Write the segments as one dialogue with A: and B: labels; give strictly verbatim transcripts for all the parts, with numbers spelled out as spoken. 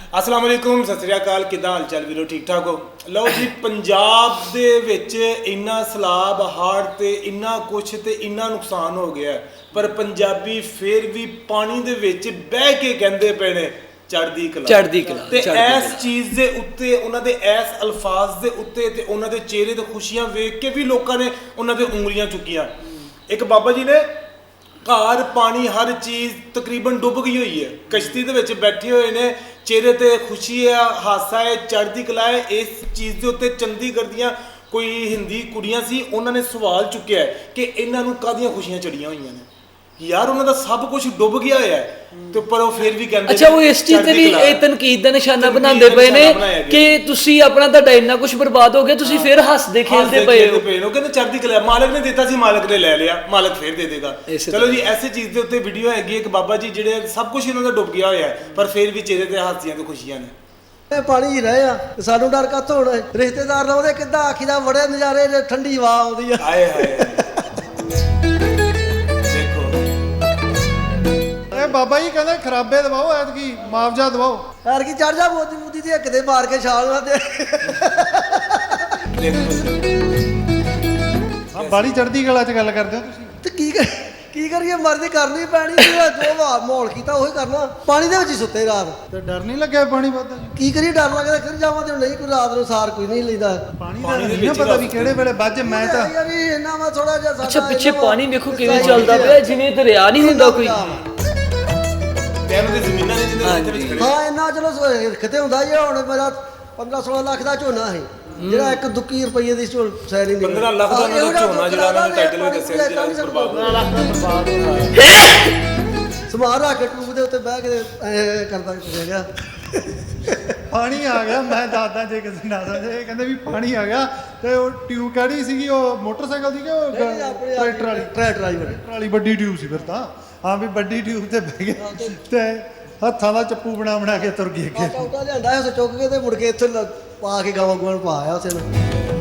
A: अस्सलाम वालेकुम सत श्री अकाल किदा हाल चाल वीरो ठीक ठाक हो लो जी पंजाब दे विच इन्ना सैलाब हाड़ ते इन्ना कुछ ते इन्ना नुकसान हो गया पर पंजाबी फिर भी पानी दे विच बह के कहंदे पे ने चढ़दी कला
B: चढ़दी कला
A: ते इस चीज़ दे उत्ते उन्हां दे इस अल्फाज दे उत्ते ते उन्हां दे चेहरे ते खुशियां वेख के भी लोकां ने उन्हां दे उंगलियां चुकियां। एक बाबा जी ने घर पानी हर चीज़ तकरीबन डुब गई हुई है कश्ती दे विच बैठे हुए ने चेहरे ते खुशी है हासा है चढ़दी कला है। इस चीज़ के उत्ते चंडीगढ़ दियां कोई हिंदी कुड़ियां सी उन्होंने सवाल चुकिया है कि इन्हों कादियां खुशियां चढ़िया हुई ने यार उन्होंने सब कुछ डुब गया है तो पर वो फिर भी कहते
B: अच्छा वो इस चीज़ भी तनकीद का निशाना बनाते पे ने कि तुसी अपना तुहाडा इन्ना कुछ बर्बाद हो गया तुसी फिर हसदे खेलते पे हो
A: कहते चढ़दी कला मालिक ने दिता सी मालिक ने ले लिया मालिक फिर दे देगा। चलो जी ऐसी चीज़ के उत्ते वीडियो हैगी एक बाबा जी जिहड़े सब कुछ इन्हों का डुब गया होया है पर फिर भी चेहरे ते हासियां ते खुशियां ने
C: पानी ही रहे आ सानू डर कातों होना रिश्तेदार लाउंदे किद्दां आखीदा बड़े नज़ारे ठंडी हवा आउंदी आ
A: हाय हाय
D: बाबा जी कहते खराबे दवाओ ऐतकी मुआवजा दवाओ
C: यार की चढ़ जा मोदी मोदी दी हक दे मार के छाल ना दे
D: हां बड़ी चढ़दी कला च गल करदे हो तुसीं
C: ते की की करिए मर्जी करनी पैनी जो माहौल कीता ओही करना पानी दे विच ही सुत्ते रात
D: ते डर नहीं लग्या पानी वादा जी
C: की करिए डर लगदा फिर जावां ते नहीं कोई रात नु सार कोई नहीं लैंदा
D: पानी दा नहीं पता भी किहड़े वेले ਵੱਜ मैं ਤਾਂ
C: यार इन्ना वा थोड़ा जिहा साडा
B: अच्छा पिछे पानी देखो किवें चलदा पिया जिवें दरिया नहीं हुंदा कोई
C: हाँ इन्ना चलो किते हुंदा जी हुण मेरा पंद्रह सोलह लाख दा झोना है ਜਿਹੜਾ ਇੱਕ ਦੁੱਕੀ ਰੁਪਏ ਦੀ ਸੈਰੀ ਨਹੀਂ
A: पंद्रह लाख ਦਾ ਉਹਨਾਂ ਦਾ ਝੋਨਾ ਜਿਹੜਾ ਉਹਨਾਂ ਨੇ ਟਾਈਟਲ ਵਿੱਚ ਦੱਸਿਆ ਜਿਹੜਾ ਬਰਬਾਦ ਪੰद्रह लाख ਦਾ ਬਰਬਾਦ ਹੋ ਰਿਹਾ
C: ਸਮਾਰ ਰੱਖ ਕੇ ਟੂਬ ਦੇ ਉੱਤੇ ਬਹਿ ਕੇ ਐ ਕਰਦਾ ਫਿਰਿਆ ਗਿਆ
D: ਪਾਣੀ ਆ ਗਿਆ ਮੈਂ ਦੱਸਦਾ ਜੇ ਕਿਸੇ ਨਾ ਸਮਝੇ ਕਹਿੰਦੇ ਵੀ ਪਾਣੀ ਆ ਗਿਆ ਤੇ ਉਹ ਟਿਊਬ ਕਿਹੜੀ ਸੀਗੀ ਉਹ ਮੋਟਰਸਾਈਕਲ ਦੀ ਕਿ ਉਹ ਟਰੈਕਟਰ ਵਾਲੀ
C: ਟਰੈਕਟਰ ਵਾਲੀ
D: ਟਰੈਕਟਰ ਵਾਲੀ ਵੱਡੀ ਟਿਊਬ ਸੀ ਫਿਰ ਤਾਂ ਹਾਂ ਵੀ ਵੱਡੀ ਟਿਊਬ ਤੇ ਬਹਿ ਗਏ ਤੇ ਹੱਥਾਂ ਦਾ ਚੱਪੂ ਬਣਾ ਬਣਾ ਕੇ ਤੁਰ ਗਏ ਅੱਗੇ
C: ਕਾਕਾ ਲਿਆਂਦਾ ਉਸ ਚੁੱਕ ਕੇ ਤੇ ਮੁੜ ਕੇ ਇੱਥੇ ਪਾ ਕੇ ਗਾਵਾਂ ਗਵਾਂ ਪਾ ਆਇਆ ਉਸੇ ਨੂੰ।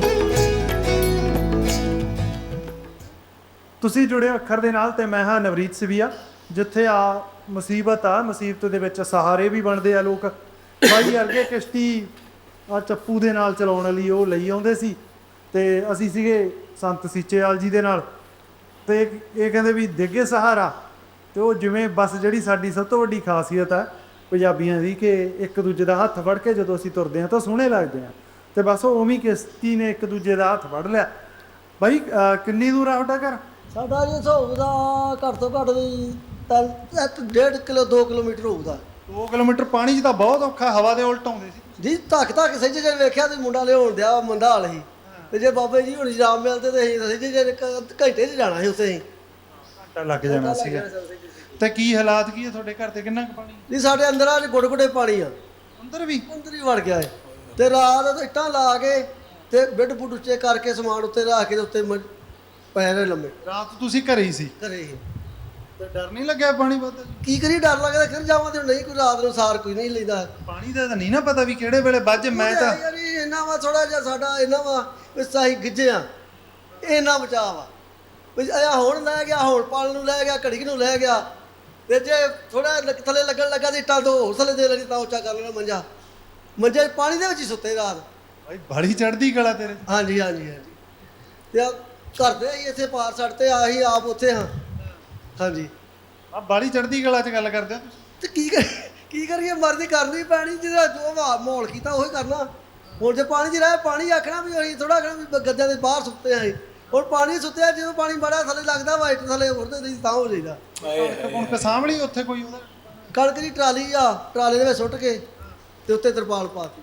D: ਤੁਸੀਂ ਜੁੜੇ ਅੱਖਰ ਦੇ ਨਾਲ ਤੇ ਮੈਂ ਹਾਂ ਨਵਰੀਤ ਸਿਵੀਆ ਜਿੱਥੇ ਆ ਮੁਸੀਬਤ ਆ ਮੁਸੀਬਤ ਦੇ ਵਿੱਚ ਸਹਾਰੇ ਵੀ ਬਣਦੇ ਆ ਲੋਕ ਬਾਈ ਅਰਗੇ ਕਿਸ਼ਤੀ ਆ ਚੱਪੂ ਦੇ ਨਾਲ ਚਲਾਉਣ ਲਈ ਉਹ ਲਈ ਆਉਂਦੇ ਸੀ ਤੇ ਅਸੀਂ ਸੀਗੇ ਸੰਤ ਸੀਚੇਵਾਲ ਜੀ ਦੇ ਨਾਲ ਤੇ ਇਹ ਕਹਿੰਦੇ ਵੀ ਦੇਗੇ ਸਹਾਰਾ ਤੇ ਉਹ ਜਿਵੇਂ ਬਸ ਜਿਹੜੀ ਸਾਡੀ ਸਭ ਤੋਂ ਵੱਡੀ ਖਾਸੀਅਤ ਹੈ ਪੰਜਾਬੀਆਂ ਦੀ ਕਿ ਇੱਕ ਦੂਜੇ ਦਾ ਹੱਥ ਫੜ ਕੇ ਜਦੋਂ ਅਸੀਂ ਤੁਰਦੇ ਹਾਂ ਤਾਂ ਸੋਹਣੇ ਲੱਗਦੇ ਹਾਂ ਤੇ ਬਸ ਉਹ ਉਵੇਂ ਕਿਸ਼ਤੀ ਨੇ ਇੱਕ ਦੂਜੇ ਦਾ ਹੱਥ ਫੜ ਲਿਆ। ਬਾਈ ਕਿੰਨੀ ਦੂਰ ਆ ਤੁਹਾਡਾ ਘਰ?
C: ਸਾਡਾ ਜੀ ਹੋਊਗਾ ਘੱਟ ਤੋਂ ਘੱਟ ਵੀ ਤਿੰਨ ਡੇਢ ਕਿਲੋ ਦੋ ਕਿਲੋਮੀਟਰ ਹੋਊਗਾ।
D: ਦੋ ਕਿਲੋਮੀਟਰ ਪਾਣੀ 'ਚ ਤਾਂ ਬਹੁਤ ਔਖਾ ਹਵਾ ਦੇ ਉਲਟ ਆਉਂਦੇ ਸੀ
C: ਜੀ ਧੱਕ ਧੱਕ ਸੱਜੇ ਜੇ ਵੇਖਿਆ ਤੇ ਮੁੰਡਾ ਲਿਆਉਣ ਦਿਆ ਮੰਦਾ ਹਾਲ ਸੀ ਤੇ ਜੇ ਬਾਬੇ ਜੀ ਹੁਣ ਜਾਮ ਮਿਲਦੇ ਤੇ ਅਸੀਂ ਸੱਜੇ ਜੇ ਘੰਟੇ 'ਚ ਜਾਣਾ ਸੀ ਉੱਥੇ ਅਸੀਂ
D: ਘੰਟਾ ਲੱਗ ਜਾਣਾ ਸੀਗਾ। ਤੇ ਕੀ ਹਾਲਾਤ ਕੀ ਹੈ ਤੁਹਾਡੇ ਘਰ ਤੇ ਕਿੰਨਾ ਕੁ ਪਾਣੀ?
C: ਨਹੀਂ ਸਾਡੇ ਅੰਦਰ ਆ ਗੁੱਡ ਗੁੱਡੇ ਪਾਣੀ ਆ
D: ਅੰਦਰ ਵੀ
C: ਅੰਦਰ ਹੀ ਵੜ ਗਿਆ ਹੈ ਤੇ ਰਾਤ ਇੱਟਾਂ ਲਾ ਕੇ ਤੇ ਬਿੱਡ ਬੁੱਡ ਉੱਚੇ ਕਰਕੇ ਸਮਾਨ ਉੱਤੇ ਰੱਖ ਕੇ ਉੱਤੇ ਪੈ ਰਹੇ ਲੰਮੇ।
D: ਰਾਤ ਤੁਸੀਂ ਘਰੇ ਹੀ ਸੀ?
C: ਘਰੇ ਹੀ।
D: ਤੇ ਡਰ ਨਹੀਂ ਲੱਗਿਆ ਪਾਣੀ ਵੱਧ?
C: ਕੀ ਕਰੀ ਡਰ ਲੱਗਦਾ ਫਿਰ ਜਾਵਾਂ ਤੇ ਨਹੀਂ ਕੋਈ ਰਾਤ ਨੂੰ ਸਾਰ ਕੋਈ ਨਹੀਂ ਲੈਂਦਾ
D: ਪਾਣੀ ਦਾ ਤਾਂ ਨਹੀਂ ਨਾ ਪਤਾ ਵੀ ਕਿਹੜੇ ਵੇਲੇ ਵੱਜ ਮੈਂ ਤਾਂ
C: ਯਾਰ ਇਹਨਾਂ ਵਾ ਥੋੜਾ ਜਿਹਾ ਸਾਡਾ ਇਹਨਾਂ ਵਾ ਵੀ ਸਾਹੀ ਗਿੱਜਿਆ ਇਹਨਾਂ ਬਚਾ ਵਾ ਵੀ ਆ ਹੁਣ ਲੈ ਗਿਆ ਹੁਣ ਪਾਲ ਨੂੰ ਲੈ ਗਿਆ ਘੜੀ ਨੂੰ ਲੈ ਗਿਆ ਤੇ ਜੇ ਥੋੜਾ ਥੱਲੇ ਲੱਗਣ ਲੱਗਾ ਤੇ ਇੱਟਾਂ ਤੋਂ ਹੋਰ ਥੱਲੇ ਦੇ ਲੈਣੀ ਤਾਂ ਉੱਚਾ ਕਰ ਲੈਣਾ ਮੰਜਾ ਮੰਜੇ ਪਾਣੀ ਦੇ ਵਿੱਚ ਹੀ ਸੁੱਤੇ ਰਾਤ।
D: ਭਾਈ ਬੜੀ ਚੜ੍ਹਦੀ ਕਲਾ ਤੇਰੇ।
C: ਹਾਂਜੀ ਹਾਂਜੀ ਹਾਂਜੀ ਤੇ ਆ ਘਰ ਦੇ ਹੀ ਇੱਥੇ ਪਾਰ ਸੜ ਤੇ ਆਹੀ ਆਪ ਉੱਥੇ ਹਾਂ। ਹਾਂਜੀ
D: ਆ ਬੜੀ ਚੜ੍ਹਦੀ ਕਲਾ 'ਚ ਗੱਲ ਕਰਦੇ ਹੋ ਤੁਸੀਂ
C: ਤੇ ਕੀ ਕੀ ਕਰੀਏ ਮਰਜ਼ੀ ਕਰਨੀ ਪੈਣੀ ਜਿਹਦਾ ਜੋ ਮਾਹੌਲ ਕੀਤਾ ਉਹੀ ਕਰਨਾ। ਹੁਣ ਜੇ ਪਾਣੀ 'ਚ ਰਹੇ ਪਾਣੀ ਆਖਣਾ ਵੀ ਅਸੀਂ ਥੋੜਾ ਆਖਣਾ ਵੀ ਗੱਦਿਆਂ ਦੇ ਬਾਹਰ ਸੁੱਤੇ ਆਂ ਹੁਣ ਪਾਣੀ ਸੁੱਤਿਆ ਜਦੋਂ ਪਾਣੀ ਬੜਾ ਥੱਲੇ ਲੱਗਦਾ ਵਾਈਟ ਥੱਲੇ ਉੜਦੇ ਨਹੀਂ ਤਾਂ ਹੋ ਜਾਈਦਾ।
D: ਹੁਣ ਕਸਾਂਭਲੀ ਉੱਥੇ ਕੋਈ ਉਹਦਾ
C: ਕਣਕ ਦੀ ਟਰਾਲੀ ਆ ਟਰਾਲੇ ਦੇ ਵਿੱਚ ਸੁੱਟ ਕੇ ਤੇ ਉੱਤੇ ਤਰਪਾਲ ਪਾਤੀ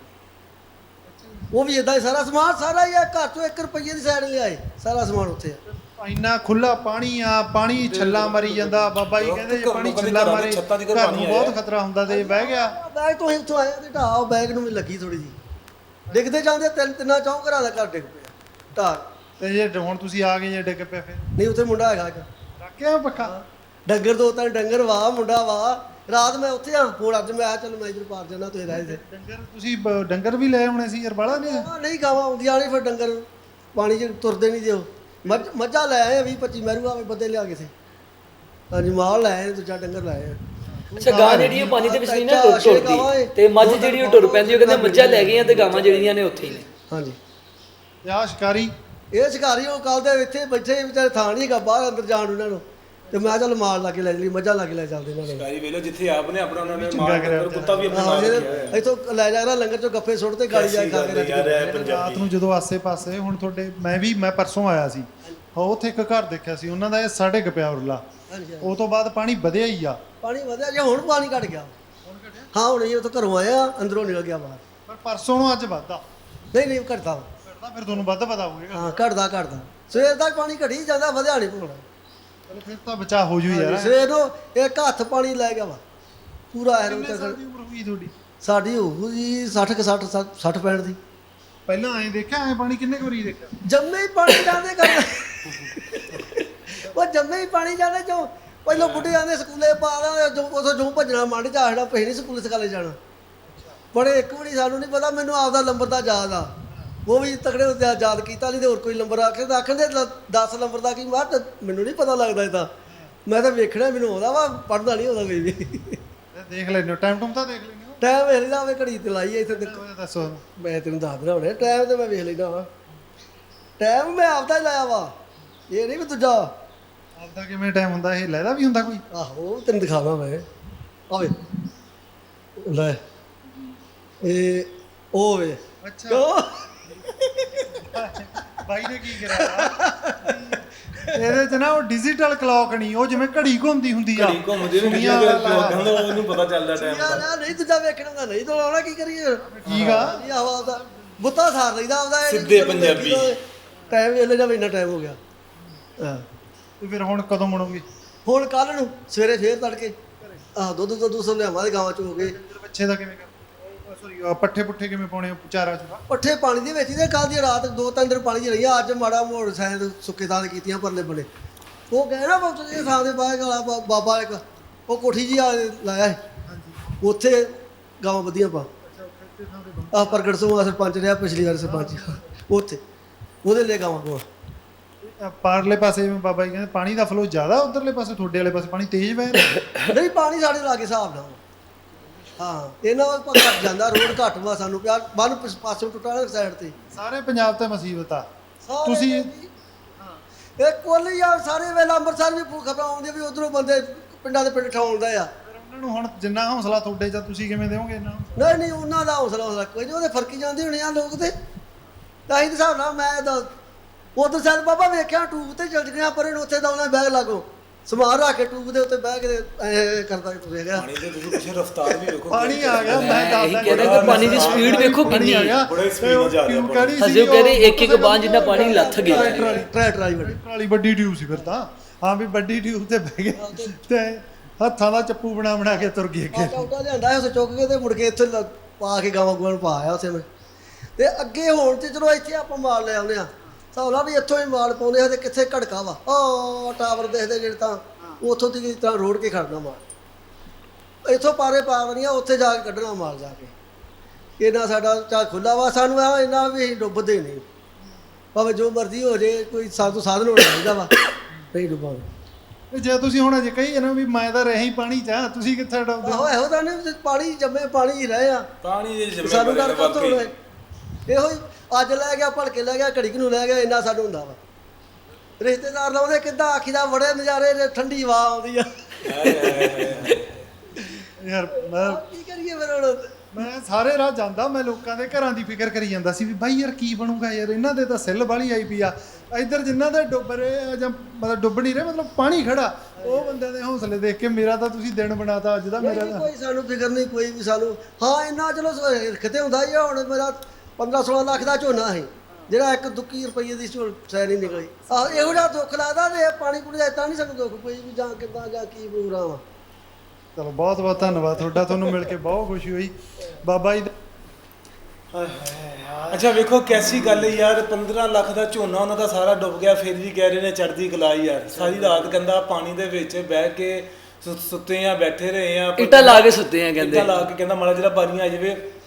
C: ਉਹ ਵੀ ਇਦਾਂ ਹੀ ਸਾਰਾ ਸਮਾਨ ਸਾਰਾ ਹੀ ਆ ਘਰ ਤੋਂ ਇੱਕ ਰੁਪਈਏ ਦੀ ਸਾਈਡ ਲਿਆਏ ਸਾਰਾ ਸਮਾਨ ਉੱਥੇ ਆ।
D: ਇੰਨਾ ਖੁੱਲਾ ਪਾਣੀ ਆ ਪਾਣੀ ਛੱਲਾ ਮਾਰੀ ਜਾਂਦਾ ਬਾਬਾ ਜੀ ਕਹਿੰਦੇ ਜੇ ਪਾਣੀ ਛੱਲਾ ਮਾਰੇ ਘਰ ਨੂੰ ਬਹੁਤ ਖਤਰਾ ਹੁੰਦਾ ਤੇ ਬਹਿ ਗਿਆ
C: ਬੈਗ ਤੋਂ ਹੀ ਉੱਥੋਂ ਆਇਆ ਤੇ ਢਾਹ ਬੈਗ ਨੂੰ ਵੀ ਲੱਗੀ ਥੋੜੀ ਜੀ ਡਿੱਗਦੇ ਜਾਂਦੇ ਤਿੰਨ ਤਿੰਨਾਂ ਚੌਂ ਘਰਾਂ ਦਾ ਘਰ ਡਿੱਗ ਪਿਆ ਢਾਹ
D: ਤੇ ਜੇ ਹੁਣ ਤੁਸੀਂ ਆ ਗਏ ਜੇ ਡਿੱਗ ਪਿਆ ਫਿਰ
C: ਨਹੀਂ ਉੱਥੇ ਮੁੰਡਾ ਹੈਗਾ ਇੱਕ
D: ਰੱਖਿਆ ਪੱਖਾ
C: ਡੰਗਰ ਦੋ ਤਾਂ ਡੰਗਰ ਵਾਹ ਮੁੰਡਾ ਵਾਹ ਰਾਤ ਮੈਂ ਉੱਥੇ ਆ ਹੁਣ ਅੱਜ ਮੈਂ ਆ ਚੱਲ ਮੈਂ ਇੱਧਰ ਪਾਰ ਜਾਣਾ ਤੁਸੀਂ ਰਹਿ ਜੇ
D: ਡੰਗਰ ਤੁਸੀਂ ਡੰਗਰ ਵੀ ਲੈ ਆਉਣੇ ਸੀ ਯਾਰ ਬਾਲਾ ਨਹੀਂ
C: ਨਹੀਂ ਗਾਵਾਂ ਆਉਂਦੀਆਂ ਨਹੀਂ ਫਿਰ ਡੰਗਰ ਪਾਣੀ 'ਚ ਤੁਰਦੇ ਨਹੀਂ ਦਿਓ ਮੱਝ ਮੱਝਾਂ ਲੈ ਆਏ ਵੀਹ ਪੱਚੀ ਮਹਿਰੂ ਆਵੇ ਬੰਦੇ ਲਿਆ ਕੇ ਸੀ ਹਾਂਜੀ ਮਾਲ ਲੈ ਆਏ ਦੂਜਾ ਡੰਗਰ ਲੈ ਆਏ
B: ਅੱਛਾ ਗਾਂ ਜਿਹੜੀ ਉਹ ਪਾਣੀ ਦੇ ਵਿੱਚ ਨਹੀਂ ਨਾ
C: ਚਾਰ ਛੇ
B: ਟੁੱਟਦੀ
C: ਗਾਵਾਂ ਏ।
B: ਤੇ ਮੱਝ ਜਿਹੜੀ ਉਹ ਟੁਰ ਪੈਂਦੀ ਉਹ ਕਹਿੰਦੇ ਮੱਝਾਂ ਲੈ ਗਈਆਂ ਤੇ ਗਾਵਾਂ ਜਿਹੜੀਆਂ ਨੇ ਉੱਥੇ ਹੀ ਨੇ।
C: ਹਾਂਜੀ
D: ਤੇ ਆਹ ਸ਼ਿਕਾਰੀ
C: ਇਹ ਸ਼ਿਕਾਰੀ ਉਹ ਕੱਲ ਦੇ ਇੱਥੇ ਬੈਠੇ ਸੀ, ਵਿਚਾਰੇ ਥਾਂ ਨਹੀਂ ਹੈਗਾ ਬਾਹਰ ਅੰਦਰ ਜਾਣ ਨੂੰ ਇਹਨਾਂ ਨੂੰ, ਤੇ ਮੈਂ ਚੱਲ ਮਾਲ ਲਾ ਕੇ ਲੈ ਜਲੀ, ਮੱਝਾਂ ਲਾ ਕੇ ਲੈ ਚੱਲਦੇ ਇਹਨਾਂ ਨੇ।
A: ਗਾਈ ਵੇਲੋ ਜਿੱਥੇ ਆਪ ਨੇ ਆਪਣਾ ਉਹਨਾਂ ਨੇ
D: ਚੰਗਾ
A: ਮਾਰ
D: ਕਰਿਆ
A: ਕੁੱਤਾ ਵੀ ਆਪਣਾ
C: ਆਹੋ
A: ਨਾਲ
C: ਇਹ
A: ਰੱਖਿਆ ਹੋਇਆ।
C: ਇੱਥੋਂ ਲੈ ਜਾ ਰਿਹਾ ਲੰਗਰ ਚੋਂ ਗੱਫੇ ਸੁੱਟ ਤੇ ਗਾੜੀ ਜਾ ਕੇ ਖਾ ਕੇ ਰੱਜ
A: ਯਾਰ
C: ਕੇ
A: ਇਹ ਪੰਜਾਬੀ
D: ਰਾਤ ਨੂੰ ਜਦੋਂ ਆਸੇ-ਪਾਸੇ ਹੁਣ ਤੁਹਾਡੇ ਮੈਂ ਵੀ ਮੈਂ ਪਰਸੋਂ ਆਇਆ ਸੀ, ਹਾਂ ਉੱਥੇ ਇੱਕ ਘਰ ਦੇਖਿਆ ਸੀ ਉਹਨਾਂ ਦਾ, ਇਹ ਸਾਢੇ ਕੁ ਪਿਆ ਉਰਲਾ।
C: ਹਾਂਜੀ
D: ਉਹ ਤੋਂ ਬਾਅਦ ਪਾਣੀ ਵਧਿਆ ਹੀ ਆ।
C: ਪਾਣੀ ਵਧਿਆ ਜੇ ਹੁਣ ਪਾਣੀ ਘਟ ਗਿਆ। ਹਾਂ ਹੁਣ ਇਹ ਉੱਥੋਂ ਘਰੋਂ ਆਇਆ ਅੰਦਰੋਂ ਨਿਕਲ ਗਿਆ ਬਾਹਰ।
D: ਪਰ ਪਰਸੋਂ ਨੂੰ ਅੱਜ ਵੱਧਦਾ
C: ਨਹੀਂ ਨਹੀਂ ਘਟਦਾ
D: ਘਟਦਾ, ਫਿਰ ਤੁਹਾਨੂੰ ਵੱਧ ਪਤਾ ਹੋਵੇਗਾ।
C: ਹਾਂ ਘਟਦਾ ਘਟਦਾ ਸਵੇਰ ਤੱਕ ਪਾਣੀ ਘਟੀ ਜਾਂਦਾ, ਵਧਿਆ ਨਹੀਂ ਪੂਰਾ।
D: ਚਲੋ ਫਿਰ ਤਾਂ ਬਚਾ ਹੋ ਜੂ ਯਾਰ।
C: ਸਵੇਰ ਨੂੰ ਇੱਕ ਹੱਥ ਪਾਣੀ ਲੈ ਗਿਆ ਵਾ ਪੂਰਾ ਐਰੋ
D: ਕਿੰਨੇ ਸਾਲ
C: ਤੱਕ।
D: ਦੀ ਉਮਰ ਹੋਈ ਤੁਹਾਡੀ?
C: ਸਾਡੀ ਹੋਊ ਜੀ ਸੱਠ ਕੁ ਸੱਠ ਸੱਠ ਪੈਂਹਠ ਦੀ।
D: ਪਹਿਲਾਂ ਐਂ ਦੇਖਿਆ, ਐਂ ਪਾਣੀ ਕਿੰਨੇ ਕੁ ਵਾਰੀ ਦੇਖਿਆ?
C: ਜੰਮੇ ਹੀ ਪਾਣੀ ਜਾਂਦੇ ਕਰ ਉਹ ਜੰਮੇ ਹੀ ਪਾਣੀ ਜਾਂਦੇ ਜੋ ਪਹਿਲਾਂ ਬੁੱਢੇ ਆਂਦੇ ਸਕੂਲੇ ਪਾ ਦਾਂ ਜੋ ਉਥੋਂ ਜੋ ਭੱਜਣਾ ਮੰਡ ਚ ਆਖਣਾ ਪਈ ਨਹੀਂ ਸਕੂਲੇ ਸਕਾਲੇ ਜਾਣਾ। ਬੜੇ ਇੱਕ ਵਾਰੀ ਸਾਨੂੰ ਨਹੀਂ ਪਤਾ, ਮੈਨੂੰ ਆਪਦਾ ਨੰਬਰ ਦਾ ਯਾਦ ਆ, ਉਹ ਵੀ ਤਕੜੇ ਹੁੰਦੇ ਆ ਯਾਦ ਕੀਤਾ, ਨਹੀਂ ਤੇ ਹੋਰ ਕੋਈ ਨੰਬਰ ਆਖੇ ਤਾਂ ਆਖਣ ਦੇ ਦਸ ਨੰਬਰ ਦਾ ਕੀ ਮਾਰ, ਮੈਨੂੰ ਨਹੀਂ ਪਤਾ ਲੱਗਦਾ ਇਹ ਤਾਂ, ਮੈਂ ਤਾਂ ਵੇਖਣਾ ਮੈਨੂੰ ਆਉਂਦਾ ਵਾ, ਪੜ੍ਹਦਾ ਨਹੀਂ ਹੁੰਦਾ ਕੋਈ ਵੀ।
D: ਇਹ ਦੇਖ ਲੈਂਦੇ ਟਾਈਮ ਟੂਮ ਤਾਂ ਦੇਖ ਲੈਂਦੇ ਹੋ?
C: ਟਾਈਮ ਵੇਖ ਲੈਂਦਾ ਹੋਵੇ, ਘੜੀ ਤੇ ਲਾਈ ਇੱਥੇ ਤੇ
D: ਉਹ ਦੱਸੋ।
C: ਮੈਂ ਤੈਨੂੰ ਦੱਸ ਦੇਣਾ ਹੁਣੇ ਟਾਈਮ ਤੇ ਮੈਂ ਵੇਖ ਲੈਂਦਾ ਵਾ, ਟਾਈਮ ਮੈਂ ਆਪਦਾ ਹੀ ਲਾਇਆ ਵਾ, ਇਹ ਨਹੀਂ ਵੀ ਦੂਜਾ।
D: ਆਪਦਾ ਕਿਵੇਂ ਟਾਈਮ ਹੁੰਦਾ, ਇਹ ਲੈਦਾ ਵੀ ਹੁੰਦਾ ਕੋਈ?
C: ਆਹੋ ਤੈਨੂੰ ਦਿਖਾਵਾਂ ਮੈਂ, ਆਵੇ ਲੈ ਇਹ ਉਹ ਵੇ।
D: ਅੱਛਾ
C: ਕਿਉਂ
D: ਬਾਈ ਨੇ ਕੀ ਕਰਿਆ ਇਹਦੇ ਚ ਨਾ ਉਹ ਡਿਜੀਟਲ ਕਲੌਕ ਨਹੀਂ, ਉਹ ਜਿਵੇਂ ਘੜੀ ਘੁੰਮਦੀ ਹੁੰਦੀ ਆ।
A: ਘੜੀ ਘੁੰਮਦੀ ਵੀ
D: ਸੁਣੀਆਂ
A: ਕਿਹਾ
D: ਵਾਲਾ।
A: ਕਹਿੰਦਾ ਉਹਨੂੰ ਪਤਾ ਚੱਲਦਾ ਟਾਈਮ
C: ਯਾਰ
A: ਦਾ।
C: ਯਾਰ ਨਹੀਂ ਦੂਜਾ ਵੇਖਣਾ ਹੁੰਦਾ, ਨਹੀਂ ਤਾਂ ਲਾਉਣਾ ਕੀ ਕਰੀਏ।
D: ਠੀਕ ਆ।
C: ਇਹ ਹਵਾ ਦਾ ਬੁੱਤਾ ਸਾਰ ਲਈਦਾ ਆਪਦਾ, ਇਹ
A: ਸਿੱਧੇ
C: ਚਲੋ
A: ਪੰਜਾਬੀ।
C: ਟਾਈਮ ਵੇਲੇ ਦਾ ਵੀ ਇੰਨਾ ਟਾਈਮ ਹੋ ਗਿਆ। ਹਾਂ
D: ਤੇ ਫਿਰ ਹੁਣ ਕਦੋਂ ਮੁੜੋਗੇ?
C: ਹੁਣ ਕੱਲ ਨੂੰ ਸਵੇਰੇ ਫੇਰ ਤੜਕੇ ਆਹ ਦੁੱਧ ਦੁੱਧ ਸਭ ਲਿਆਵਾਂਗੇ ਗਾਵਾਂ ਚ ਹੋ ਗਏ।
D: ਬੱਚੇ ਦਾ ਕਿਵੇਂ ਕਰ ਸੌਰੀ ਪੱਠੇ ਪੁੱਠੇ ਕਿਵੇਂ ਪਾਉਣੇ ਆ ਚਾਰਾ ਚੂਰਾ?
C: ਪੱਠੇ ਪਾਣੀ ਦੇ ਵਿੱਚ ਹੀ ਤੇ ਕੱਲ ਦੀ ਰਾਤ ਦੋ ਤਿੰਨ ਦਿਨ ਪਾਣੀ 'ਚ ਰਹੀਆਂ, ਅੱਜ ਮਾੜਾ ਮੋੜ ਸਾਇਦ ਸੁੱਕੇ ਥਾਂ ਤੇ ਕੀਤੀਆਂ ਪਰਲੇ ਬੜੇ। ਉਹ ਕਹਿ ਨਾ ਬਹੁਤ ਇਹ ਥਾਂ ਦੇ ਬਾਹਰ ਵਾਲਾ ਬਾ- ਬਾਬਾ ਇੱਕ ਉਹ ਕੋਠੀ ਜੀ ਆ ਲਾਇਆ ਸੀ, ਉੱਥੇ ਗਾਵਾਂ ਵਧੀਆਂ ਪਾ ਆਹ ਪ੍ਰਗਟ ਸਿੰਘ ਆ ਸਰਪੰਚ ਰਿਹਾ ਪਿਛਲੀ ਵਾਰ ਸਰਪੰਚ, ਉੱਥੇ ਉਹਦੇ ਲਈ ਗਾਵਾਂ ਕੋਲ।
D: ਅ, ਪਾਰਲੇ ਪਾਸੇ ਜਿਵੇਂ ਬਾਬਾ ਜੀ ਕਹਿੰਦੇ ਪਾਣੀ ਦਾ ਫਲੋ ਜ਼ਿਆਦਾ, ਉਧਰਲੇ ਪਾਸੇ ਤੁਹਾਡੇ ਵਾਲੇ ਪਾਸੇ ਪਾਣੀ ਤੇਜ਼ ਵਹਿ ਰਿਹਾ?
C: ਨਹੀਂ ਪਾਣੀ ਸਾਡੇ ਲਾਗੇ ਹਿਸਾਬ ਨਾਲ। ਹਾਂ ਇਹਨਾਂ ਵੱਲ ਘੱਟ ਜਾਂਦਾ, ਰੋਡ ਘੱਟ ਵਾ ਸਾਨੂੰ ਪਿਆ ਬੰਨ ਪਾਸੋਂ ਟੁੱਟਾ ਸਾਈਡ ਤੇ।
D: ਸਾਰੇ ਪੰਜਾਬ ਤੇ ਮੁਸੀਬਤ ਆ।
C: ਸਾਰੇ
D: ਤੁਸੀਂ
C: ਇਹ ਕੁੱਲ ਯਾਰ ਸਾਰੇ ਵੇਲੇ ਅੰਮ੍ਰਿਤਸਰ ਵੀ ਖਬਰਾਂ ਆਉਂਦੀਆਂ ਵੀ ਉਧਰੋਂ ਬੰਦੇ ਪਿੰਡਾਂ ਦੇ ਪਿੰਡ ਠਾਉਂਦਾ ਆ।
D: ਫਿਰ ਉਹਨਾਂ ਨੂੰ ਹੁਣ ਜਿੰਨਾ ਹੌਸਲਾ ਤੁਹਾਡੇ ਚ ਤੁਸੀਂ ਕਿਵੇਂ ਦਿਓਗੇ ਇਹਨਾਂ ਨੂੰ?
C: ਨਹੀਂ ਨਹੀਂ ਉਹਨਾਂ ਦਾ ਹੌਸਲਾ ਹੌਸਲਾ ਕੋਈ ਨਹੀਂ, ਉਹਦੇ ਫਰਕੀ ਜਾਂਦੇ ਹੋਣੇ ਆ ਲੋਕ ਤੇ। ਤਾਂ ਹੀ ਹਿਸਾਬ ਨਾਲ ਮੈਂ ਤਾਂ ਉਧਰ ਸਾਲ ਬਾਬਾ ਵੇਖਿਆ ਟੂਬ ਤੇ ਚਲ ਗਿਆ, ਪਰ ਇਹਨੂੰ ਉੱਥੇ ਤਾਂ ਉਹਨਾਂ ਬੈਗ ਲਾਗੋ ਸਮਾਨ ਰੱਖ ਕੇ ਟੂਬ ਦੇ ਉੱਤੇ ਬਹਿ ਕੇ ਐ ਕਰਦਾ ਤੁਰਿਆ ਗਿਆ।
A: ਪਾਣੀ ਦੇ ਤੁਸੀਂ ਕੁਛ ਰਫ਼ਤਾਰ ਵੀ ਵੇਖੋ।
D: ਪਾਣੀ ਆ ਗਿਆ, ਮੈਂ
B: ਇਹੀ
D: ਦੱਸਦਾ
B: ਕਹਿੰਦਾ ਕਿ ਪਾਣੀ ਦੀ ਸਪੀਡ ਵੇਖੋ ਕਿੰਨੀ ਹੈ।
A: ਬੜੇ ਸਪੀਡ ਨਾਲ ਜਾ ਰਿਹਾ ਪਾਣੀ।
B: ਹਜੇ ਉਹ ਕਹਿੰਦੇ ਇੱਕ ਇੱਕ ਬਾਂਹ ਜਿੰਨਾ ਪਾਣੀ ਲੱਥ ਗਿਆ।
C: ਟਰਾਲੀ ਟਰਾਲੀ ਵੱਡੀ
D: ਟਰਾਲੀ ਵੱਡੀ ਟਿਊਬ ਸੀ ਫਿਰ ਤਾਂ। ਹਾਂ ਵੀ ਵੱਡੀ ਟਿਊਬ ਤੇ ਬਹਿ ਗਏ ਤੇ ਹੱਥਾਂ ਦਾ ਚੱਪੂ ਬਣਾ ਬਣਾ ਕੇ ਤੁਰ ਗਏ ਅੱਗੇ।
C: ਚੌਕਾ ਲਿਆਂਦਾ ਉਸ ਚੁੱਕ ਕੇ ਤੇ ਮੁੜ ਕੇ ਇੱਥੇ ਲ- ਪਾ ਕੇ ਗਾਵਾਂ ਗੂਆਂ ਨੂੰ ਪਾ ਆਇਆ ਉੱਥੇ ਮੈਂ। ਤੇ ਅੱਗੇ ਹੋਣ ਤੇ ਚਲੋ ਇੱਥੇ ਆਪਾਂ ਮਾਲ ਲੈ ਆਉਂਦੇ ਆ, ਸੌਲਾ ਵੀ ਇੱਥੋਂ ਹੀ ਮਾਲ ਪਾਉਂਦੇ ਆ ਤੇ ਕਿੱਥੇ ਘੜਕਾ ਵਾ ਉਹ ਟਾਵਰ ਦੇਖਦੇ ਜਿਹੜੇ ਤਾਂ ਉੱਥੋਂ ਦੀ ਇਸ ਤਰ੍ਹਾਂ ਰੋੜ ਕੇ ਖੜਨਾ ਮਾਲ, ਇੱਥੋਂ ਪਾਰੇ ਪਾ ਵੜੀਆਂ ਉੱਥੇ ਜਾ ਕੇ ਕੱਢਣਾ ਮਾਲ ਜਾ ਕੇ। ਇਹਨਾਂ ਸਾਡਾ ਚਾ ਖੁੱਲਾ ਵਾ, ਸਾਨੂੰ ਆ ਇਹਨਾਂ ਵੀ ਅਸੀਂ ਡੁੱਬਦੇ ਨਹੀਂ, ਭਾਵੇਂ ਜੋ ਮਰਜ਼ੀ ਹੋ ਜੇ, ਕੋਈ ਸਾਧੂ ਸਾਧਨ ਹੋਣਾ ਚਾਹੀਦਾ ਵਾ, ਨਹੀਂ ਡੁੱਬਾਂਗੇ।
D: ਤੇ ਜੇ ਤੁਸੀਂ ਹੁਣ ਅਜੇ ਕਹੀ ਨਾ ਵੀ ਮੈਂ ਤਾਂ ਰਹੀ ਪਾਣੀ ਚ ਆ, ਤੁਸੀਂ ਕਿੱਥੇ ਡੁੱਬਦੇ ਹੋ?
C: ਆਹੋ ਇਹੋ ਤਾਂ ਨਹੀਂ ਪਾਣੀ ਜੰਮੇ ਪਾਣੀ ਹੀ ਰਹੇ ਆ,
A: ਪਾਣੀ ਦੇ ਜਿੰਮੇ
C: ਸਾਨੂੰ ਡਰ ਕਾਹਤੋਂ ਹੋਣਾ? ਇਹੋ ਹੀ ਅੱਜ ਲੈ ਗਿਆ ਭਲਕੇ ਲੈ ਗਿਆ ਘੜੀ ਕੁ ਨੂੰ ਲੈ ਗਿਆ, ਇੰਨਾ ਸਾਨੂੰ ਹੁੰਦਾ ਵਾ। ਰਿਸ਼ਤੇਦਾਰ ਲਾਉਂਦੇ ਕਿੱਦਾਂ ਆਖੀਦਾ ਬੜੇ ਨਜ਼ਾਰੇ ਨੇ, ਠੰਡੀ ਹਵਾ ਆਉਂਦੀ ਆ।
D: ਯਾਰ ਮੈਂ
C: ਕੀ ਕਰੀਏ ਫਿਰ ਹੁਣ?
D: ਮੈਂ ਸਾਰੇ ਰਾਹ ਜਾਂਦਾ, ਮੈਂ ਲੋਕਾਂ ਦੇ ਘਰਾਂ ਦੀ ਫਿਕਰ ਕਰੀ ਜਾਂਦਾ ਸੀ ਵੀ ਬਾਈ ਯਾਰ ਕੀ ਬਣੂਗਾ ਯਾਰ, ਇਹਨਾਂ ਦੇ ਤਾਂ ਸਿੱਲ ਵਾਲੀ ਆਈ ਪਈ ਆ। ਇੱਧਰ ਜਿਨ੍ਹਾਂ ਦੇ ਡੁੱਬ ਰਹੇ ਆ ਜਾਂ ਮਤਲਬ ਡੁੱਬ ਨਹੀਂ ਰਹੇ, ਮਤਲਬ ਪਾਣੀ ਖੜਾ, ਉਹ ਬੰਦਿਆਂ ਦੇ ਹੌਸਲੇ ਦੇਖ ਕੇ ਮੇਰਾ ਤਾਂ ਤੁਸੀਂ ਦਿਨ ਬਣਾਤਾ ਅੱਜ ਦਾ ਮੇਰਾ
C: ਨਹੀਂ,
D: ਤਾਂ।
C: ਕੋਈ ਸਾਨੂੰ ਫਿਕਰ ਨਹੀਂ ਕੋਈ ਵੀ ਸਾਨੂੰ। ਹਾਂ ਇੰਨਾ ਚਲੋ ਕਿਤੇ ਹੁੰਦਾ ਹੀ ਆ, ਹੁਣ ਮੇਰਾ ਪੰਦਰਾਂ ਸੋਲਾਂ ਲੱਖ ਦਾ ਝੋਨਾ ਸੀ ਜਿਹੜਾ ਇੱਕ ਦੁੱਕੀ ਰੁਪਈਏ ਦੀ ਸੈ ਨਹੀਂ ਨਿਕਲੀ। ਆਹ ਇਹੋ ਜਿਹਾ ਦੁੱਖ ਲੱਗਦਾ ਤੇ ਪਾਣੀ ਪੂਣੀ ਦਾ ਤਾਂ ਨਹੀਂ ਸਾਨੂੰ ਦੁੱਖ ਕੋਈ ਵੀ, ਜਾਂ ਕਿੱਦਾਂ ਜਾਂ ਕੀ ਪ੍ਰੋਗਰਾਮ ਆ।
D: ਚਲੋ ਬਹੁਤ ਬਹੁਤ ਧੰਨਵਾਦ ਤੁਹਾਡਾ, ਤੁਹਾਨੂੰ ਮਿਲ ਕੇ ਬਹੁਤ ਖੁਸ਼ੀ ਹੋਈ ਬਾਬਾ ਜੀ ਦਾ।
A: ਅੱਛਾ ਵੇਖੋ ਕੈਸੀ ਗੱਲ ਹੈ ਯਾਰ, ਪੰਦਰਾਂ ਲੱਖ ਦਾ ਝੋਨਾ ਉਹਨਾਂ ਦਾ ਸਾਰਾ ਡੁੱਬ ਗਿਆ, ਫਿਰ ਵੀ ਕਹਿ ਰਹੇ ਨੇ ਚੜ੍ਹਦੀ ਕਲਾ ਯਾਰ। ਸਾਰੀ ਰਾਤ ਕਹਿੰਦਾ ਪਾਣੀ ਦੇ ਵਿੱਚ ਬਹਿ ਕੇ ਸੁ- ਸੁੱਤੇ ਆ, ਬੈਠੇ ਰਹੇ ਆ,
B: ਇੱਟਾਂ ਲਾ ਕੇ ਸੁੱਤੇ ਆ ਕਹਿੰਦੇ।
A: ਇੱਟਾਂ ਲਾ ਕੇ ਕਹਿੰਦਾ ਮਾੜਾ ਜਿਹੜਾ ਪਾਣੀ ਆ ਜਾਵੇ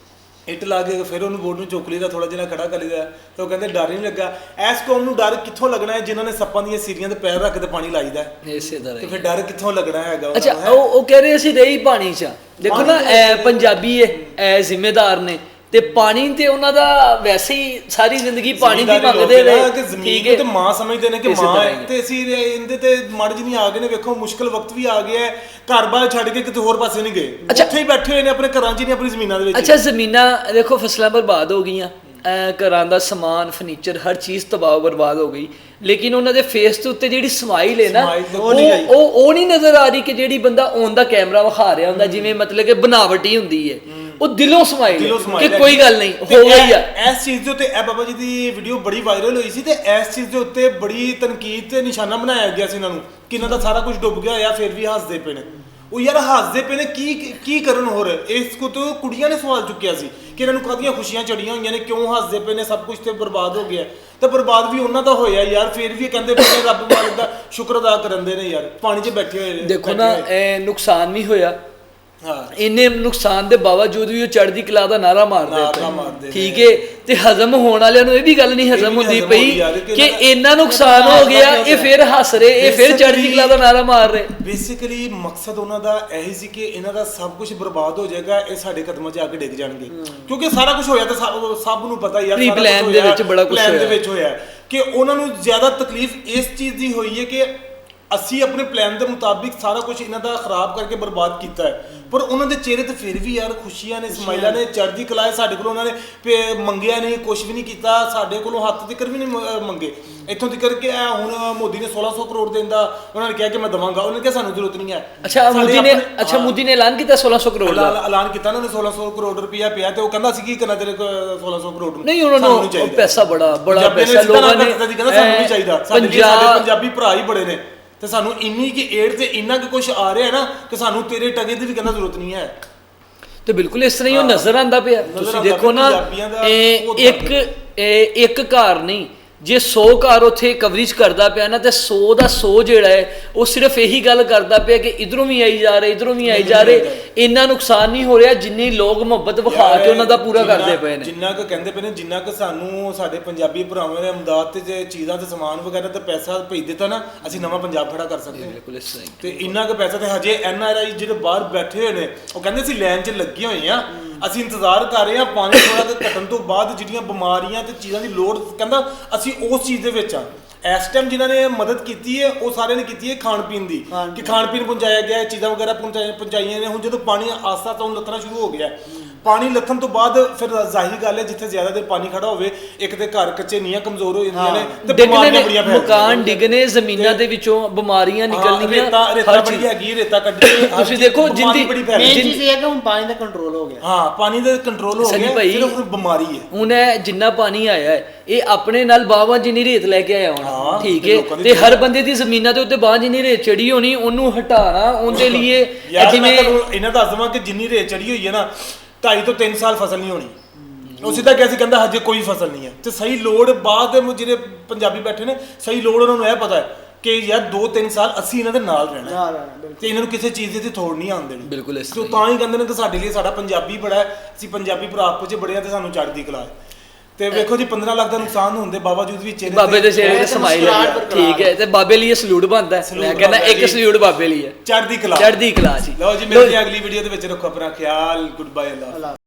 A: ਇੱਟ ਲਾ ਕੇ ਫਿਰ ਉਹਨੂੰ ਬੋਰਡ ਨੂੰ ਚੁੱਕ ਲਈਦਾ, ਥੋੜਾ ਜਿਹਾ ਖੜਾ ਕਰ ਲਈਦਾ, ਤੇ ਉਹ ਕਹਿੰਦੇ ਡਰ ਨਹੀਂ ਲੱਗਾ। ਐਸ ਕੌਮ ਨੂੰ ਡਰ ਕਿੱਥੋਂ ਲੱਗਣਾ ਹੈ ਜਿਨ੍ਹਾਂ ਨੇ ਸੱਪਾਂ ਦੀਆਂ ਸੀਰੀਆਂ ਤੇ ਪੈਰ ਰੱਖ ਕੇ ਪਾਣੀ ਲਾਈਦਾ ਹੈ,
B: ਇਸੇ ਤਰ੍ਹਾਂ
A: ਤੇ
B: ਹੀ।
A: ਫਿਰ ਡਰ ਕਿੱਥੋਂ ਲੱਗਣਾ ਹੈਗਾ ਉਹਨਾਂ
B: ਅੱਛਾ,
A: ਨੂੰ, ਹੈਂ?
B: ਉਹ ਉਹ ਕਹਿ ਰਹੇ ਅਸੀਂ ਰਹੀ ਪਾਣੀ 'ਚ, ਦੇਖੋ ਨਾ ਐ ਪੰਜਾਬੀ ਐ ਐ ਜ਼ਿੰਮੇਦਾਰ ਨੇ, ਤੇ ਪਾਣੀ ਤੇ ਉਹਨਾਂ ਦਾ ਵੈਸੇ ਹੀ ਸਾਰੀ ਜ਼ਿੰਦਗੀ ਪਾਣੀ ਦੀ
A: ਜ਼ਿਮੀਂਦਾਰੀ
B: ਮੰਗਦੇ
A: ਲੋਕ ਨੇ
B: ਰਹੇ,
A: ਕਿ ਜ਼ਮੀਨ
B: ਠੀਕ
A: ਨੂੰ
B: ਹੈ।
A: ਤੇ ਮਾਂ ਸਮਝਦੇ ਨੇ ਕਿ
B: ਇਸੇ
A: ਮਾਂ
B: ਤਰ੍ਹਾਂ
A: ਹੈ,
B: ਹੀ।
A: ਤੇ ਅਸੀਂ ਇਹਦੇ ਤੇ ਮੜ ਜੀ ਨਹੀਂ ਆ ਗਏ ਨੇ। ਵੇਖੋ ਮੁਸ਼ਕਲ ਵਕਤ ਵੀ ਆ ਗਿਆ ਹੈ, ਘਰ-ਬਾਰ ਛੱਡ ਕੇ ਕਿਤੇ ਹੋਰ ਪਾਸੇ ਨਹੀਂ ਗਏ,
B: ਅੱਛਾ।
A: ਉੱਥੇ ਹੀ ਬੈਠੇ ਹੋਏ ਨੇ ਆਪਣੇ ਘਰਾਂ 'ਚ, ਨਹੀਂ ਆਪਣੀ ਜ਼ਮੀਨਾਂ ਦੇ ਵਿੱਚ।
B: ਅੱਛਾ, ਜ਼ਮੀਨਾਂ ਦੇਖੋ ਫਸਲਾਂ ਬਰਬਾਦ ਹੋ ਗਈਆਂ, ਐ ਘਰਾਂ ਦਾ ਸਮਾਨ ਫਰਨੀਚਰ ਹਰ ਚੀਜ਼ ਤਬਾਹ ਬਰਬਾਦ ਹੋ ਗਈ, ਲੇਕਿਨ ਉਹਨਾਂ ਦੇ ਫੇਸ ਦੇ ਉੱਤੇ ਜਿਹੜੀ ਸਮਾਈਲ ਹੈ ਨਾ,
A: Smile ਤੇ
B: ਉਹ ਉਹ ਉਹ ਨਹੀਂ ਨਜ਼ਰ ਆ ਰਹੀ ਕਿ ਜਿਹੜੀ ਬੰਦਾ ਔਨ ਦਾ ਕੈਮਰਾ ਵਿਖਾ ਰਿਹਾ ਹੁੰਦਾ, ਜਿਵੇਂ ਮਤਲਬ ਕਿ ਬਨਾਵਟੀ ਹੁੰਦੀ ਹੈ, ਉਹ ਦਿਲੋਂ ਸਮਾਈਲ
A: ਦਿਲੋਂ
B: ਕਿ
A: smile ਹੈ।
B: ਕੋਈ ਗੱਲ ਨਹੀਂ
A: ਤੇ
B: ਹੋ ਗਈ
A: ਇਹ-
B: ਆ।
A: ਇਸ ਚੀਜ਼ ਦੇ ਉੱਤੇ ਇਹ ਬਾਬਾ ਜੀ ਦੀ ਵੀਡੀਓ ਬੜੀ ਵਾਇਰਲ ਹੋਈ ਸੀ, ਤੇ ਇਸ ਚੀਜ਼ ਦੇ ਉੱਤੇ ਬੜੀ ਤਨਕੀਦ ਤੇ ਨਿਸ਼ਾਨਾ ਬਣਾਇਆ ਗਿਆ ਸੀ ਇਹਨਾਂ ਨੂੰ ਕਿ ਇਹਨਾਂ ਦਾ ਸਾਰਾ ਕੁਝ ਡੁੱਬ ਗਿਆ ਹੋਇਆ, ਫਿਰ ਵੀ ਹੱਸਦੇ ਪਏ ਨੇ। ਉਹ ਯਾਰ ਹੱਸਦੇ ਪਏ ਨੇ, ਕੀ ਕੀ ਕਰਨ ਹੋਰ? ਇਸ ਕੋ ਤੋਂ ਕੁੜੀਆਂ ਨੇ ਸਵਾਲ ਚੁੱਕਿਆ ਸੀ ਕਿ ਇਹਨਾਂ ਨੂੰ ਕਾਹਦੀਆਂ ਖੁਸ਼ੀਆਂ ਚੜੀਆਂ ਹੋਈਆਂ ਨੇ, ਕਿਉਂ ਹੱਸਦੇ ਪਏ ਨੇ, ਸਭ ਕੁਝ ਤੇ ਬਰਬਾਦ ਹੋ ਗਿਆ। ਤੇ ਬਰਬਾਦ ਵੀ ਉਹਨਾਂ ਦਾ ਹੋਇਆ ਯਾਰ, ਫਿਰ ਵੀ ਕਹਿੰਦੇ ਪਏ ਨੇ ਰੱਬ ਮਾਲਕ ਦਾ ਸ਼ੁਕਰ ਅਦਾ ਕਰਨਦੇ ਨੇ ਯਾਰ, ਪਾਣੀ 'ਚ ਬੈਠੇ ਹੋਏ ਨੇ।
B: ਦੇਖੋ ਨਾ, ਇਹ ਨੁਕਸਾਨ ਵੀ ਹੋਇਆ,
A: ਹਾਂ,
B: ਇੰਨੇ ਨੁਕਸਾਨ ਦੇ ਬਾਵਜੂਦ ਵੀ ਉਹ ਚੜ੍ਹਦੀ ਕਲਾ ਦਾ ਨਾਰਾ ਮਾਰਦੇ
A: ਨਾਅਰਾ ਮਾਰਦੇ
B: ਪਏ, ਠੀਕ ਹੈ। ਤੇ ਹਜ਼ਮ ਹੋਣ ਵਾਲਿਆਂ ਨੂੰ ਇਹ ਵੀ ਗੱਲ ਨਹੀਂ ਹਜ਼ਮ
A: ਵੀ
B: ਹੁੰਦੀ
A: ਹਜ਼ਮ
B: ਪਈ
A: ਹੁੰਦੀ ਯਾਰ ਕਿ
B: ਕਿ
A: ਇਹਨਾਂ-
B: ਇੰਨਾ ਨੁਕਸਾਨ ਹੋ ਗਿਆ, ਇਹ ਫਿਰ ਹੱਸ ਰਹੇ, ਇਹ ਫਿਰ ਚੜ੍ਹਦੀ ਕਲਾ ਦਾ ਨਾਰਾ ਮਾਰ ਰਹੇ।
A: ਬੇਸਿਕਲੀ ਮਕਸਦ ਉਹਨਾਂ ਦਾ ਇਹੀ ਸੀ ਕਿ ਇਹਨਾਂ ਦਾ ਸਭ ਕੁਝ ਬਰਬਾਦ ਹੋ ਜਾਏਗਾ, ਇਹ ਸਾਡੇ ਕਦਮਾਂ 'ਚ ਆ ਕੇ ਡਿੱਗ ਜਾਣਗੇ, ਕਿਉਂਕਿ ਸਾਰਾ ਕੁਝ ਹੋਇਆ ਤਾਂ ਸਭ ਸਭ ਨੂੰ ਪਤਾ ਯਾਰ,
B: Pre
A: ਸਾਰਾ
B: plan
A: ਕੁਛ
B: ਦੇ
A: ਹੋਇਆ,
B: ਵਿੱਚ ਬੜਾ ਕੁਛ
A: plan ਦੇ
B: ਹੋਇਆ।
A: ਵਿੱਚ ਹੋਇਆ ਕਿ ਉਹਨਾਂ ਨੂੰ ਜ਼ਿਆਦਾ ਤਕਲੀਫ ਇਸ ਚੀਜ਼ ਦੀ ਹੋਈ ਹੈ ਕਿ ਅਸੀਂ ਆਪਣੇ ਪਲਾਨ ਦੇ ਮੁਤਾਬਿਕ ਸਾਰਾ ਕੁਝ ਇਹਨਾਂ ਦਾ ਖਰਾਬ ਕਰਕੇ ਬਰਬਾਦ ਕੀਤਾ ਹੈ, ਪਰ ਉਹਨਾਂ ਦੇ ਚਿਹਰੇ ਤੇ ਫਿਰ ਵੀ ਯਾਰ ਖੁਸ਼ੀਆਂ ਨੇ, ਸਮਾਈਲਾਂ ਨੇ, ਚੜ੍ਹਦੀ ਕਲਾ ਹੈ। ਸਾਡੇ ਕੋਲੋਂ ਉਹਨਾਂ ਨੇ ਪੇ- ਮੰਗਿਆ ਨਹੀਂ, ਕੁਝ ਵੀ ਨਹੀਂ ਕੀਤਾ, ਸਾਡੇ ਕੋਲੋਂ ਹੱਥ ਤਿੱਕਰ ਵੀ ਨਹੀਂ ਮ- ਮੰਗੇ, ਇੱਥੋਂ ਤਿੱਕਰ ਕਿ ਇਹ ਹੁਣ ਮੋਦੀ ਨੇ ਸੋਲਾਂ ਸੌ ਕਰੋੜ ਦੇਣ ਦਾ ਉਹਨਾਂ ਨੇ ਕਿਹਾ ਕਿ ਮੈਂ ਦਵਾਂਗਾ, ਉਹਨਾਂ ਨੇ ਕਿਹਾ ਸਾਨੂੰ ਜ਼ਰੂਰਤ ਨਹੀਂ ਹੈ।
B: ਅੱਛਾ,
A: ਸਾਡੇ
B: ਮੋਦੀ ਨੇ
A: ਆਪਣੇ-
B: ਅੱਛਾ
A: ਹਾਂ।
B: ਮੋਦੀ ਨੇ ਐਲਾਨ ਕੀਤਾ ਸੋਲਾਂ ਸੌ ਕਰੋੜ ਦਾ।
A: ਐਲਾਨ ਐਲਾਨ ਕੀਤਾ ਉਹਨਾਂ ਨੇ ਸੋਲਾਂ ਸੌ ਕਰੋੜ ਰੁਪਇਆ ਪਿਆ, ਤੇ ਉਹ ਕਹਿੰਦਾ ਸੀ ਕੀ ਕਰਨਾ ਤੇਰੇ ਕੋਲ ਸੋਲਾਂ ਸੌ ਕਰੋੜ ਨੂੰ?
B: ਨਹੀਂ, ਉਹਨਾਂ
A: ਸਾਨੂੰ
B: ਨੂੰ
A: ਚਾਹੀਦਾ।
B: ਪੈਸਾ ਬੜਾ ਬੜਾ
A: ਪੰਜਾਬੀਆਂ ਨੇ
B: ਪੈਸਾ
A: ਸਿੱਧਾ
B: ਲੋਕਾਂ
A: ਨਾ
B: ਨੇ
A: ਕੀਤਾ ਸੀ, ਕਹਿੰਦਾ ਸਾਨੂੰ ਨਹੀਂ ਚਾਹੀਦਾ, ਸਾਡੇ ਲਈ ਸਾਡੇ
B: ਪੰਜਾਬ
A: ਪੰਜਾਬੀ ਭਰਾ ਹੀ ਬੜੇ ਨੇ, ਤੇ ਸਾਨੂੰ ਇੰਨੀ ਕਿ ਏਡ ਤੇ ਇੰਨਾ ਕਿ ਕੁਝ ਆ ਰਿਹਾ ਨਾ ਕਿ ਸਾਨੂੰ ਤੇਰੇ ਟਗੇ ਦੀ ਵੀ ਕਹਿੰਦਾ ਜ਼ਰੂਰਤ ਨਹੀਂ ਹੈ।
B: ਤੇ ਬਿਲਕੁਲ ਇਸ ਤਰ੍ਹਾਂ ਹੀ ਉਹ ਨਜ਼ਰ ਆਂਦਾ ਪਿਆ। ਤੁਸੀਂ
A: ਆਉਂਦਾ
B: ਦੇਖੋ ਨਾ,
A: ਪੰਜਾਬੀਆਂ ਦਾ
B: ਇਹ
A: ਬਹੁਤ
B: ਇੱਕ ਇਹ ਇੱਕ ਘਰ ਨਹੀਂ, ਜੇ ਸੌ ਘਰ ਉੱਥੇ ਕਵਰੇਜ ਕਰਦਾ ਪਿਆ ਨਾ, ਤੇ ਸੌ ਦਾ ਸੌ ਜਿਹੜਾ ਹੈ ਉਹ ਸਿਰਫ ਇਹੀ ਗੱਲ ਕਰਦਾ ਪਿਆ ਕਿ ਇਧਰੋਂ ਵੀ ਆਈ ਜਾ ਰਹੇ, ਇਧਰੋਂ ਵੀ ਆਈ ਜਾ ਰਹੇ। ਇੰਨਾ ਨੁਕਸਾਨ ਨਹੀਂ ਹੋ ਰਿਹਾ ਜਿੰਨੀ ਲੋਕ ਮੁਹੱਬਤ ਵਿਖਾ ਕੇ ਉਹਨਾਂ ਦਾ ਪੂਰਾ
A: ਜਿੰਨਾ-
B: ਕਰਦੇ ਪਏ ਨੇ।
A: ਜਿੰਨਾ ਕੁ ਕਹਿੰਦੇ ਪਏ ਨੇ, ਜਿੰਨਾ ਕੁ ਸਾਨੂੰ ਸਾਡੇ ਪੰਜਾਬੀ ਭਰਾਵਾਂ ਨੇ ਅਮਦਾਦ ਤੇ ਜੇ ਚੀਜ਼ਾਂ ਤੇ ਸਮਾਨ ਵਗੈਰਾ ਤੇ ਪੈਸਾ ਭੇਜ ਦਿੱਤਾ ਨਾ, ਅਸੀਂ ਨਵਾਂ ਪੰਜਾਬ ਖੜਾ ਕਰ ਸਕਦੇ ਹਾਂ।
B: ਬਿਲਕੁਲ ਇਸ ਤਰ੍ਹਾਂ ਹੀ।
A: ਤੇ ਇੰਨਾ ਕੁ ਪੈਸਾ ਤੇ ਹਜੇ ਐਨ ਆਰ ਆਈ ਜਿਹੜੇ ਬਾਹਰ ਬੈਠੇ ਹੋਏ ਨੇ, ਉਹ ਕਹਿੰਦੇ ਅਸੀਂ ਲਾਈਨ 'ਚ ਲੱਗੇ ਹੋਏ ਆ, ਅਸੀਂ ਇੰਤਜ਼ਾਰ ਕਰ ਰਹੇ ਹਾਂ ਪਾਣੀ ਥੋੜਾ ਜਿਹਾ ਘਟਣ ਤੋਂ ਬਾਅਦ ਜਿਹੜੀਆਂ ਬਿਮਾਰੀਆਂ ਤੇ ਚੀਜ਼ਾਂ ਦੀ ਲੋੜ, ਕਹਿੰਦਾ ਅਸੀਂ ਉਸ ਚੀਜ਼ ਦੇ ਵਿੱਚ ਆ। ਇਸ ਟਾਈਮ ਜਿਨ੍ਹਾਂ ਨੇ ਮਦਦ ਕੀਤੀ ਹੈ ਉਹ ਸਾਰਿਆਂ ਨੇ ਕੀਤੀ ਹੈ ਖਾਣ ਪੀਣ ਦੀ, ਕਿ ਖਾਣ ਪੀਣ ਪਹੁੰਚਾਇਆ ਗਿਆ, ਚੀਜ਼ਾਂ ਵਗੈਰਾ ਪਹੁੰਚਾਈਆਂ ਪਹੁੰਚਾਈਆਂ ਨੇ। ਹੁਣ ਜਦੋਂ ਪਾਣੀ ਆਸਤਾ ਤੋਂ ਲੱਥਣਾ ਸ਼ੁਰੂ ਹੋ ਗਿਆ, ਪਾਣੀ ਲੱਥਣ ਤੋਂ ਬਾਅਦ ਫਿਰ ਜ਼ਾਹਿਰ ਗੱਲ ਹੈ ਜਿੱਥੇ ਜ਼ਿਆਦਾ ਦੇਰ ਪਾਣੀ ਖੜਾ ਹੋਵੇ, ਇੱਕ ਤੇ ਘਰ ਕੱਚੇ, ਨੀਆਂ ਕਮਜ਼ੋਰ ਹੋ ਜਾਂਦੀਆਂ ਨੇ, ਤੇ
B: ਡਿੱਗਣੇ
A: ਬਿਮਾਰੀਆਂ ਬੜੀਆਂ
B: ਨੇ,
A: ਫੈਲਦੀਆਂ
B: ਮਕਾਨ ਡਿੱਗਣੇ, ਜ਼ਮੀਨਾਂ ਦੇ ਵਿੱਚੋਂ ਬਿਮਾਰੀਆਂ ਨਿਕਲਣੀਆਂ,
A: ਰੇਤਾ ਰੇਤਾ
B: ਹਰ
A: ਬੜੀ
B: ਚੀਜ਼।
A: ਹੈਗੀ, ਰੇਤਾ ਕੱਢੀ ਹਰ
B: ਤੁਸੀਂ
A: ਚੀਜ਼,
B: ਦੇਖੋ
A: ਬਿਮਾਰੀ
B: ਜਿੰਦੀ-
A: ਬੜੀ ਫੈਲ
E: ਮੇਨ
A: ਰਹੀ।
E: ਚੀਜ਼ ਇਹ ਹੈ ਕਿ ਹੁਣ ਪਾਣੀ ਦਾ ਕੰਟਰੋਲ ਹੋ ਗਿਆ।
A: ਹਾਂ, ਪਾਣੀ ਦਾ ਕੰਟਰੋਲ ਹੋ
B: ਸਨੀ
A: ਗਿਆ,
B: ਭਾਈ,
A: ਸਿਰਫ ਹੁਣ ਬਿਮਾਰੀ ਹੈ।
B: ਹੁਣ ਇਹ ਜਿੰਨਾ ਪਾਣੀ ਆਇਆ ਹੈ, ਇਹ ਆਪਣੇ ਨਾਲ ਬਾਹਾਂ ਜਿੰਨੀ ਰੇਤ ਲੈ ਕੇ ਆਇਆ ਹੋਣਾ,
A: ਹਾਂ,
B: ਠੀਕ
A: ਤੇ
B: ਹੈ।
A: ਲੋਕਾਂ ਦੀ
B: ਤੇ ਹਰ ਬੰਦੇ ਦੀ ਜ਼ਮੀਨਾਂ ਦੇ ਉੱਤੇ ਬਾਂਹ ਜਿੰਨੀ ਰੇਤ ਚੜੀ ਹੋਣੀ, ਉਹਨੂੰ ਹਟਾਣਾ, ਉਹਦੇ ਲਈ ਇਹ
A: ਯਾਰ
B: ਜਿਵੇਂ
A: ਮੈਂ ਤੁਹਾਨੂੰ ਇਹਨਾਂ ਦੱਸ ਦਵਾਂ ਕਿ ਜਿੰਨੀ ਰੇਤ ਚੜੀ ਹੋਈ ਹੈ ਨਾ, ਢਾਈ ਤੋਂ ਤਿੰਨ ਸਾਲ ਫਸਲ ਨਹੀਂ ਹੋਣੀ। ਉਹ ਸਿੱਧਾ ਕਿਹਾ ਸੀ, ਕਹਿੰਦਾ ਹਜੇ ਕੋਈ ਫਸਲ ਨਹੀਂ ਹੈ। ਤੇ ਸਹੀ ਲੋੜ ਬਾਅਦ ਦੇ ਜਿਹੜੇ ਪੰਜਾਬੀ ਬੈਠੇ ਨੇ, ਸਹੀ ਲੋੜ ਉਹਨਾਂ ਨੂੰ ਇਹ ਪਤਾ ਹੈ ਕਿ ਯਾਰ ਦੋ ਤਿੰਨ ਸਾਲ ਅਸੀਂ ਇਹਨਾਂ ਦੇ ਨਾਲ ਰਹਿਣਾ ਹੈ,
E: ਨਾਲ ਰਹਿਣਾ, ਬਿਲਕੁਲ।
A: ਤੇ ਇਹਨਾਂ ਨੂੰ ਕਿਸੇ ਚੀਜ਼ ਦੀ ਤੇ ਥੋੜ ਨਹੀਂ ਆਉਣ ਦੇਣੀ।
B: ਬਿਲਕੁਲ ਇਸ
A: ਤੇ ਉਹ ਤਾਂ ਹੀ ਕਹਿੰਦੇ ਨੇ ਕਿ ਸਾਡੇ ਲਈ ਸਾਡਾ ਪੰਜਾਬੀ ਬੜਾ ਹੈ, ਅਸੀਂ ਪੰਜਾਬੀ ਭਰਾ ਆਪਸ 'ਚ ਬੜੇ ਆ, ਤੇ ਸਾਨੂੰ ਚੜ੍ਹਦੀ ਕਲਾ ਹੈ। ਤੇ ਵੇਖੋ ਜੀ, ਪੰਦਰਾਂ ਲੱਖ ਦਾ ਨੁਕਸਾਨ ਹੋਣ ਦੇ ਬਾਵਜੂਦ ਵੀ ਚਿਹਰੇ
B: ਬਾਬੇ ਦੇ ਚਿਹਰੇ ਤੇ
E: ਤੇ
B: ਸਮਾਈਲ
E: ਮੁਸਕਰਾਹਟ
B: ਹੈ,
E: ਬਰਕਰਾਰ
B: ਠੀਕ ਹੈ। ਤੇ ਬਾਬੇ ਲਈ ਇਹ ਸਲੂਟ ਬਣਦਾ ਹੈ।
A: ਸਲੂਟ
B: ਮੈਂ ਕਹਿੰਦਾ
A: ਬਣਦਾ
B: ਇੱਕ
A: ਜੀ।
B: ਸਲੂਟ ਬਾਬੇ ਲਈ ਹੈ,
A: ਚੜ੍ਹਦੀ ਕਲਾ
B: ਚੜ੍ਹਦੀ ਕਲਾ ਜੀ।
A: ਲਓ ਜੀ, ਮਿਲਦੇ ਹਾਂ ਅਗਲੀ ਵੀਡੀਓ ਦੇ ਵਿੱਚ। ਰੱਖੋ ਆਪਣਾ ਖਿਆਲ। ਗੁੱਡ ਬਾਏ, ਅੱਲਾ।
E: ਅੱਲਾ